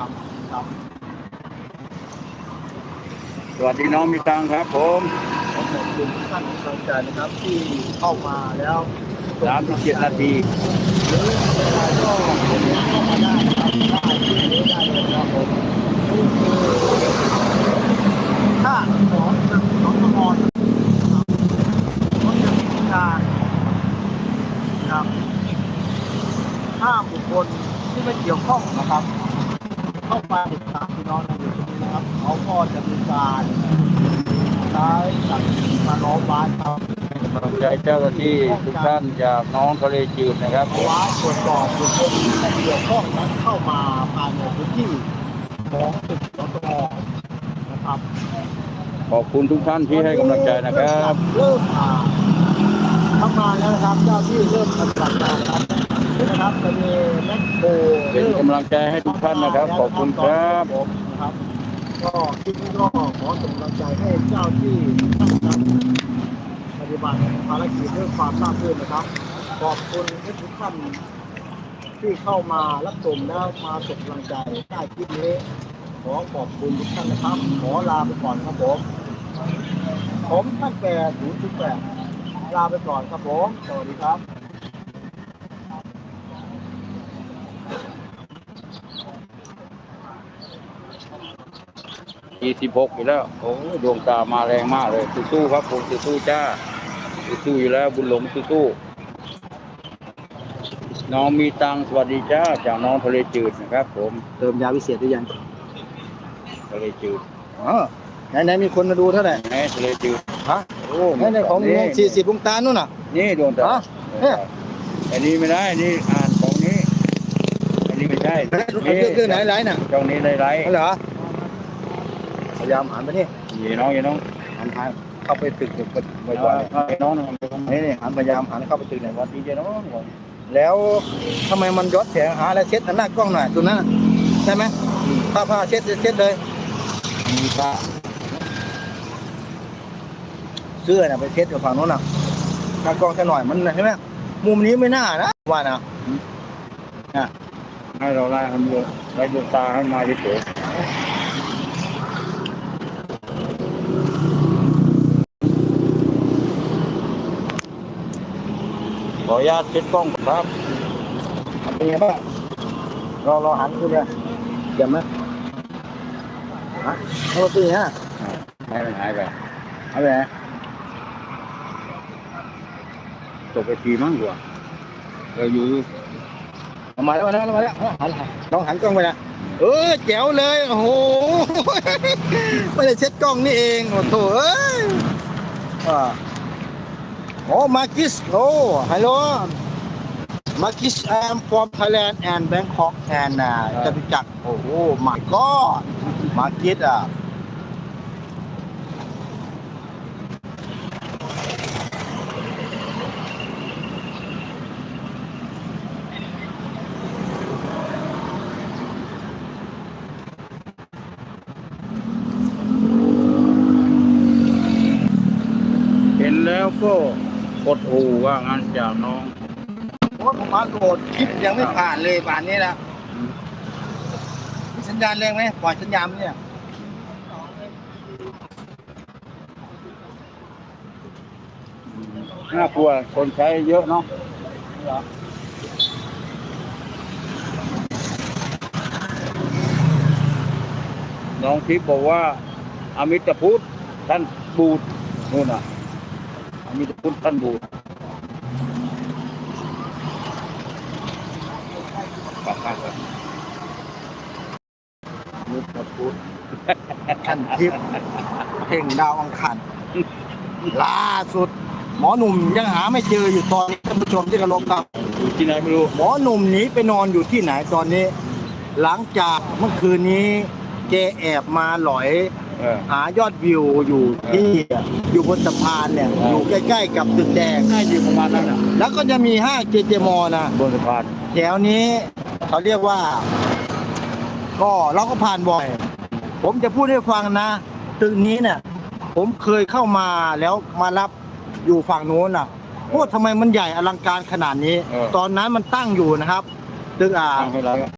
ครับครับสวัสดีน้องมีตังครับผมขอบคุณทุกท่านที่สนใจนะครับที่เข้ามาแล้ว 37 นาทีหรือเวลาก็เข้ามาได้นะครับได้ที่นี้ได้เลยครับผมนี่คือค่าของของตมนะครับรถยนต์การนะครับห้ามบุคคลที่ไม่เกี่ยวข้องนะครับเข้าไปติดตามพี่น้องในอยู่ตรงนี้นะครับเขาก็จะมีการใช้สัตว์มาล้อมไว้ครับกำลังใจเจ้าหน้าที่ทุกท่านจากน้องทะเลจืดนะครับผมว้าตรวจสอบบุคคลที่เกี่ยวข้องนั้นเข้ามาภายในพื้นที่ของตึกสตงนะครับขอบคุณทุกท่านที่ให้กำลังใจนะครับเริ่มทำงานแล้วนะครับเจ้าที่เริ่มปฏิบัติงานแล้วนะครับจะมีแมคโครเป็นกำลังใจให้ทุกท่านนะครับขอบคุณครับผมนะครับก็คลิปนี้ก็ขอส่งกำลังใจให้เจ้าที่ทุกท่านนะครับปฏิบัติภารกิจด้วยความราบรื่นนะครับขอบคุณทุกท่านที่เข้ามารับชมแล้วมาส่งกำลังใจใต้คลิปนี้ขอขอบคุณทุกท่านนะครับขอลาไปก่อนครับผมท่าน808ลาไปก่อนครับผมสวัสดีครับ 26อยู่แล้วโอ้ดวงตามาแรงมากเลยสู้ๆครับผมสู้ๆจ้าสู้อยู่แล้วบุญหลงสู้ๆน้องมีตังสวัสดีจ้าจากน้องทะเลจืดนะครับผมเติมยาวิเศษหรือยังทะเลจืดไหนมีคนมาดูเท่าไหร่แม่ทะเลจืดฮะไหนของ40วงตานู่นน่ะนี่ดวงตาเนี่ยอันนี้ไม่ได้อันนี้อ่านของนี้อันนี้ไม่ใช่คือไหนไหนน่ะช่องนี้ไรเหรอพยายามหันไปนี่อย่าน้องอย่าน้องหันทางเข้าไปตึกบ่อยๆให้น้องนะไปตรงนี่หันพยายามหันเข้าไปตึกไหนวัวะดดีเจน้องแล้วทำไมมันย้อนแสงหาอะไรเช็ดหน้ากล้องหน่อยตัวนั้นน่ะใช่ไหมผ้าเช็ดเลยมีพระเสื้อน่ะไปเช็ดกับฝั่งโน้นน่ะหน้ากล้องแค่หน่อยมันใช่ไหมมุมนี้ไม่น่านะว่านะให้เราไล่ให้มันไล่ดวงตาให้มาเฉยขออนุญาตเช็ดกล้องครับเป็นไงบ้างรอหันดูเลยเดี๋ยวไหมฮะเอาตีฮะให้มันหายไปเอาไปไหนตกไปทีมั้งกว่าอยู่มาแล้วหันลองหันกล้องไปนะแจ๋วเลยโอ้โหไม่ได้เช็ดกล้องนี่เองโอ้โหมาร์กิสฮัลโหลมาร์กิส I am from Thailand and Bangkok and จตุจักรโอ้โห my god มาร์กิสเห็นแล้วก็กดหูว่างั้นจากน้องโอ้ผมมาโหลดคลิปยังไม่ผ่านเลยป่านนี้นะมีสัญญาณแรงไหมปล่อยสัญญาณเนี่ยน่ากลัวคนใช้เยอะเนาะน้องทิพย์บอกว่าอมิตรพุทธท่านบูดนู่นน่ะอมิตรพุทธท่านบูดปักปักปักอมิตรพุทธท่านทิพย์เพ่งดาวอังคารล่าสุดหมอหนุ่มยังหาไม่เจออยู่ตอนนี้ท่านผู้ชมที่เคารพครับอยู่ที่ไหนไม่รู้หมอหนุ่มหนีไปนอนอยู่ที่ไหนตอนนี้ หลังจากเมื่อคืนนี้แกแอบมาหลอย หายอดวิวอยู่ที่อยู่บนสะพานเนี่ยอยู่ใกล้ๆกับตึกแดงน่าอยู่ประมาณนั้นน่ะแล้วก็จะมีห้างเจเจมอนะบนสะพานแถวนี้เขาเรียกว่า ก็เราก็ผ่านบ่อย ผมจะพูดให้ฟังนะตึกนี้เนี่ย ผมเคยเข้ามาแล้วมารับอยู่ฝั่งโน้นน่ะโอ้ทำไมมันใหญ่อลังการขนาดนี้ ตอนนั้นมันตั้งอยู่นะครับตึกตั้งให้เรา